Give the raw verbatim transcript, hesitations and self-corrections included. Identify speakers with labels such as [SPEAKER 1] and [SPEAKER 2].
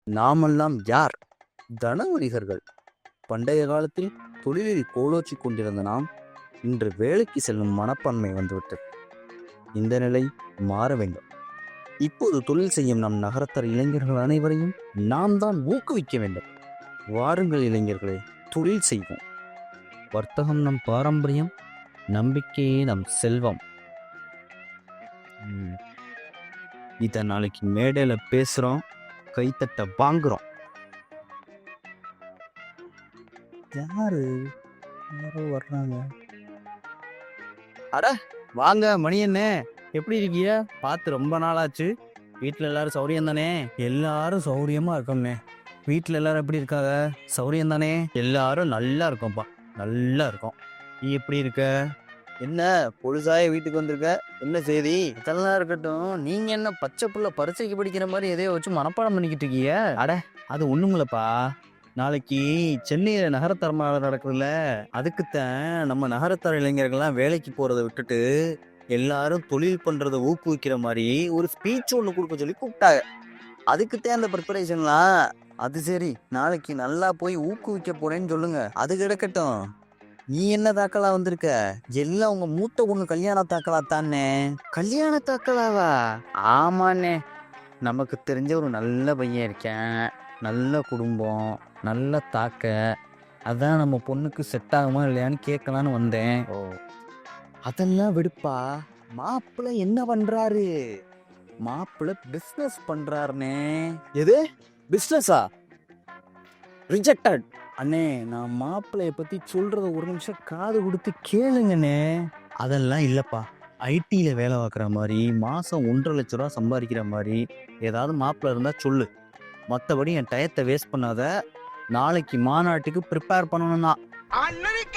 [SPEAKER 1] நாமெல்லாம் யார்? தனவணிகர்கள். பண்டைய காலத்தில் தொழிலில் கோலோச்சி கொண்டிருந்த நாம் இன்று வேலைக்கு செல்லும் மனப்பான்மை வந்துவிட்டது. இந்த நிலை மாற வேண்டும். இப்போது தொழில் செய்யும் நம் நகரத்தர் இளைஞர்கள் அனைவரையும் நாம் தான் ஊக்குவிக்க வேண்டும். வாருங்கள் இளைஞர்களே, தொழில் செய்வோம். வர்த்தகம் நம் பாரம்பரியம், நம்பிக்கையே நம் செல்வம். ம். இதை நாளைக்கு மேடையில பேசுறோம், கைத்தட்ட வாங்குறோம். யாரு யாரோ வர்றாங்க. அட வாங்க மணியண்ணே, எப்படி இருக்கீங்க? பார்த்து ரொம்ப நாளாச்சு. வீட்டில் எல்லாரும் சௌரியம் தானே? எல்லாரும் சௌரியமா இருக்கோம்ண்ணே. வீட்டில் எல்லாரும் எப்படி இருக்காங்க? சௌரியம் தானே? எல்லாரும் நல்லா இருக்கோம்ப்பா, நல்லா இருக்கோம். நீ எப்படி இருக்க? என்ன பொழுதாய வீட்டுக்கு வந்திருக்க? என்ன செய்தி? இதெல்லாம் இருக்கட்டும், நீங்க என்ன பச்சை புள்ள பரீட்சைக்கு படிக்கிற மாதிரி எதையோ வச்சு மனப்பாடம் பண்ணிக்கிட்டு இருக்கீங்க? அட அது ஒண்ணுமில்லப்பா, நாளைக்கு சென்னையில நகரத்தர மாநாடு நடக்குதுல்ல, அதுக்குத்தான் நம்ம நகரத்தர இளைஞர்கள்லாம் வேலைக்கு போறதை விட்டுட்டு எல்லாரும் தொழில் பண்றதை ஊக்குவிக்கிற மாதிரி ஒரு ஸ்பீச் ஒன்று கொடுக்க சொல்லி கூப்பிட்டாங்க. அதுக்குத்தான் அந்த ப்ரிப்பரேஷன்லாம். அது சரி, நாளைக்கு நல்லா போய் ஊக்குவிக்க போறேன்னு சொல்லுங்க. அது கிடக்கட்டும், நீ என்ன தாக்கலா வந்திருக்க? எல்லாம் உங்க மூத்த பொண்ணு கல்யாண தாக்கலா தானே? கல்யாண தாக்கலாவா? ஆமாண்ணே, நமக்கு தெரிஞ்ச ஒரு நல்ல பையன் இருக்கேன், நல்ல குடும்பம், நல்ல தாக்க. அதான் நம்ம பொண்ணுக்கு செட் ஆகுமா இல்லையான்னு கேட்கலான்னு வந்தேன். ஓ, அதெல்லாம் விடுப்பா. மாப்பிள்ளை என்ன பண்றாரு? மாப்பிள்ளை பிசினஸ் பண்றாருனே. எது பிசினஸா? ரிஜெக்டட். அண்ணே, நான் மாப்பிள்ளைய பத்தி சொல்றத ஒரு நிமிஷம் காது கொடுத்து கேளுங்கண்ணே. அதெல்லாம் இல்லப்பா, ஐடியில் வேலை பார்க்குற மாதிரி மாதம் ஒன்றரை லட்ச ரூபா சம்பாதிக்கிற மாதிரி ஏதாவது மாப்பிள்ளை இருந்தால் சொல்லு. மற்றபடி என் டயத்தை வேஸ்ட் பண்ணாத. நாளைக்கு மாநாட்டுக்கு ப்ரிப்பேர் பண்ணணும்னா